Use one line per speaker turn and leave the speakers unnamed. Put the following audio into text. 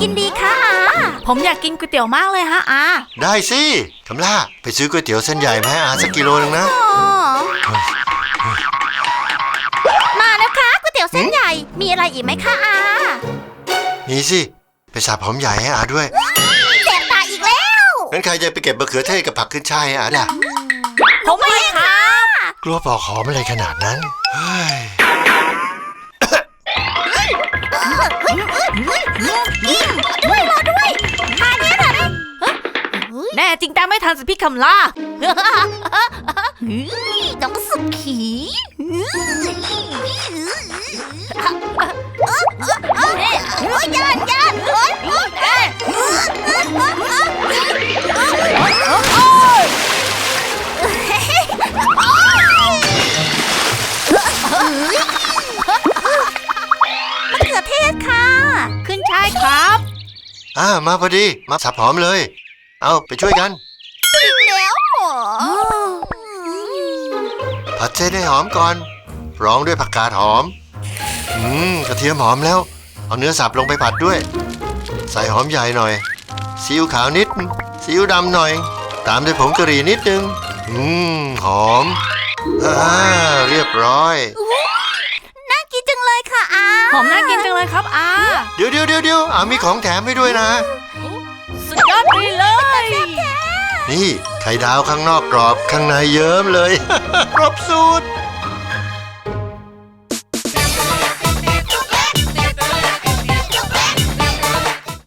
กินดีคะอาผมอยากกินก๋วยเตี๋ยวมากเลยฮะอา
ได้สิคำล่าไปซื้อก๋วยเตี๋ยวเส้นใหญ่มาให้อาสักกิโลนึงนะ
มาแล้วคะก๋วยเตี๋ยวเส้นใหญ่มีอะไรอีกไหมคะอา
มีสิไปสับหอมใหญ่ให้อาด้วย
แสบตาอีกแล้ว
งั้นใครจะไปเก็บมะเขือเทศกับผักขึ้นช่ายให้อาล่ะ
ผมไม่ค่ะ
กลัวปอกหอมอะไรขนาดนั้นเฮ้ย
รอด้วยทานนี้ค่ะแน่จริงแต่ไม่ทันสิพี่คำล่าน้องสุขีย่านมะเขือเทศค่ะขึ้นช่ายครับ
มาพอดีมาสับหอมเลยเอาไปช่วยกัน
อีกแล้วเหรอ
ผัดเส้นให้หอมก่อนรองด้วยผักกาดหอมกระเทียมหอมแล้วเอาเนื้อสับลงไปผัดด้วยใส่หอมใหญ่หน่อยซีอิ๊วขาวนิดซีอิ๊วดำหน่อยตามด้วยผงกะหรี่นิดนึงหอมเรียบร้อย
น่ากินจังเลยค่ะอาหอมน่ากินจังเลยครับอา
เดี๋ยวมีของแถมให้ด้วยนะ
สุดยอดไปเลย
นี่ไข่ดาวข้างนอกกรอบข้างในเยิ้มเลยครบสูตร